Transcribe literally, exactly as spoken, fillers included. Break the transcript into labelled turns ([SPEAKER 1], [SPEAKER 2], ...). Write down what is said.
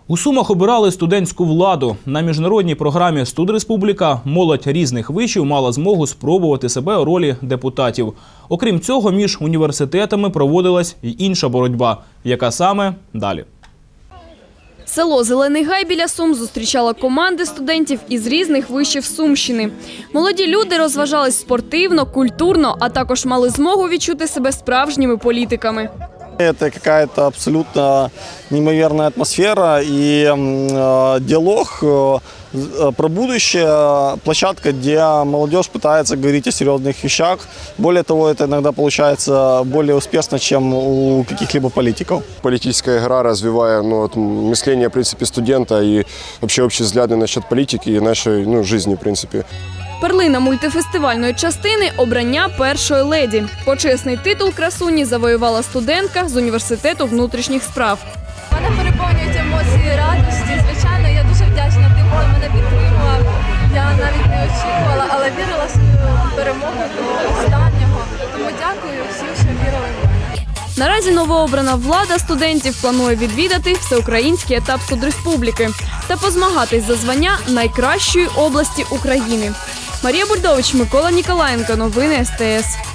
[SPEAKER 1] У Сумах обирали студентську владу. На міжнародній програмі «Студреспубліка» молодь різних вишів мала змогу спробувати себе у ролі депутатів. Окрім цього, між університетами проводилась і інша боротьба. Яка саме – далі.
[SPEAKER 2] Село Зелений Гай біля Сум зустрічало команди студентів із різних вишів Сумщини. Молоді люди розважались спортивно, культурно, а також мали змогу відчути себе справжніми політиками.
[SPEAKER 3] Это какая-то абсолютно неимоверная атмосфера и э, диалог э, про будущее, площадка, где молодежь пытается говорить о серьезных вещах. Более того, это иногда получается более успешно, чем у каких-либо политиков.
[SPEAKER 4] Политическая игра развивая ну, вот, мышление, в принципе, студента и вообще общие взгляды насчет политики и нашей ну, жизни, в принципе.
[SPEAKER 2] Перлина мультифестивальної частини – обрання першої леді. Почесний титул красуні завоювала студентка з університету внутрішніх справ.
[SPEAKER 5] Мене переповнюють емоції радості. Звичайно, я дуже вдячна тим, хто мене підтримував. Я навіть не очікувала, але вірила в свою перемогу до останнього. Тому дякую всім, що вірили в мене.
[SPEAKER 2] Наразі новообрана влада студентів планує відвідати всеукраїнський етап Студреспубліки та позмагатись за звання найкращої області України. Марія Бульдович, Микола Ніколаєнко. Новини ес те ес.